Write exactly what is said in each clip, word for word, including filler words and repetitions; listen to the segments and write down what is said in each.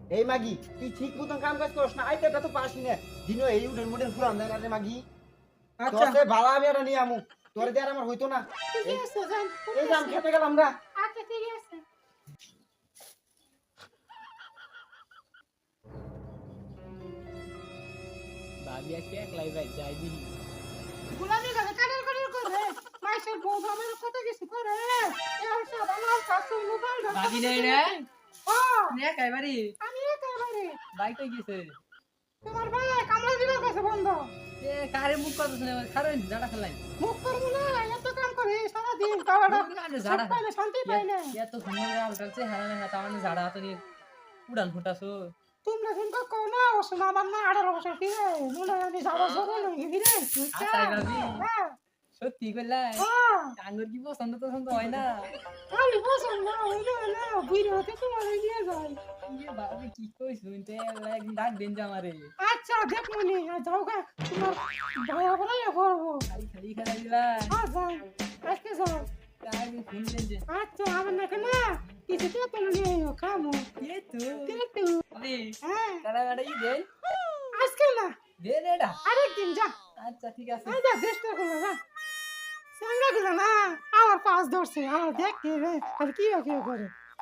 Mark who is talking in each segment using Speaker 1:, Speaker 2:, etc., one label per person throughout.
Speaker 1: এই মাগি তুই ঠিক মতন কাম কাজ করছ না আইতেটা তো পাসি না দিনও এই উডেন মুডেন ফুরান দেয় না রে মাগি
Speaker 2: আচ্ছা
Speaker 1: তোর সে ভালো আমি এটা নিয়ে আমু তোর দিয়ে আর আমার হইতো না
Speaker 2: ঠিক
Speaker 1: এই
Speaker 2: আছে যান
Speaker 1: এই যে আমি খেতে গেলাম আমরা
Speaker 2: আচ্ছা ঠিক আছে
Speaker 3: ভাবি আজকে একলাই ভাই যাই দিই
Speaker 2: গুলামি করে কাটার কাটার করে মাইসের বউ আমার কত কিছু করে এর সব আমার কাছে মোবাইল
Speaker 3: ভাবি নাই রে
Speaker 2: হ্যাঁ
Speaker 3: নে একেবারে
Speaker 2: আমি একেবারে
Speaker 3: ভাই কই গেছে
Speaker 2: তোমার ভাই কামলা দিবার কাছে বন্ধ
Speaker 3: এ কারে মুখ কথা শুনে খারো জাডা খেলাই
Speaker 2: মুখ করবো না এত কাম করে সারা দিন কাওয়াটা
Speaker 3: জাডা
Speaker 2: পাইলে শান্তি পাইলে
Speaker 3: এত সুন্দর আলকালছে হারানে হাত আমার জাডা হাতে নিয়ে উড়ান ফুটাছো
Speaker 2: তোমরা কিন্তু কও না অবশ্য আমার না আঠারো বছর ফিরে মনে হয় আমি যাবো জোরে নই ফিরে
Speaker 3: আতাই ভাবি
Speaker 2: হ্যাঁ
Speaker 3: সত্যি কইলাই
Speaker 2: হ্যাঁ
Speaker 3: আঙ্গুর কি পছন্দ পছন্দ হয় না
Speaker 2: আমি পছন্দ না হইলে না বুঝে হতে তোমার নিয়ে যাই
Speaker 3: ইয়ে ভাবি কি কই শুনতে একদিন ডাক দেন যে আমারে
Speaker 2: আচ্ছা দেখ মনি যাও গা তোমার ভাইয়া ভাইয়া করবো
Speaker 3: খালি খালি খেলা দিলা
Speaker 2: হ্যাঁ যাও আজকে যাও
Speaker 3: একদিন ফোন দেন যে
Speaker 2: আচ্ছা আমার নাকি না কিছু তো তুমি নিয়ে এও খামো
Speaker 3: এ তো
Speaker 2: কিন্তু
Speaker 3: ভাবি
Speaker 2: হ্যাঁ
Speaker 3: কারা কারা ই দেন
Speaker 2: আজকে না
Speaker 3: দেন এটা
Speaker 2: আরেকদিন যা
Speaker 3: আচ্ছা ঠিক আছে
Speaker 2: এই যা চেষ্টা করো যা সঙ্গে গেল না আমার পাঁচ ধরছে আমার দেখতে রে আর কি কি করে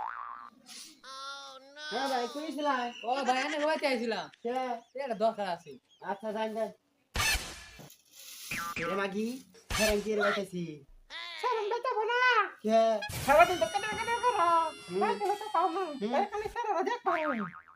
Speaker 1: হ্যাঁ ভাই কইছিলাম
Speaker 3: ও ভাই আমি হইতে আইছিলাম
Speaker 1: কে
Speaker 3: এটা দরকার আছে
Speaker 1: আচ্ছা যাই যাই রে মাগি ফেরান কি রে বাইতেছি
Speaker 2: সালাম বেটা বনা
Speaker 1: কে
Speaker 2: সারাদিন তো কাটা কাটা করো বাইরে তো পাও না খালি সারা দেখ পাও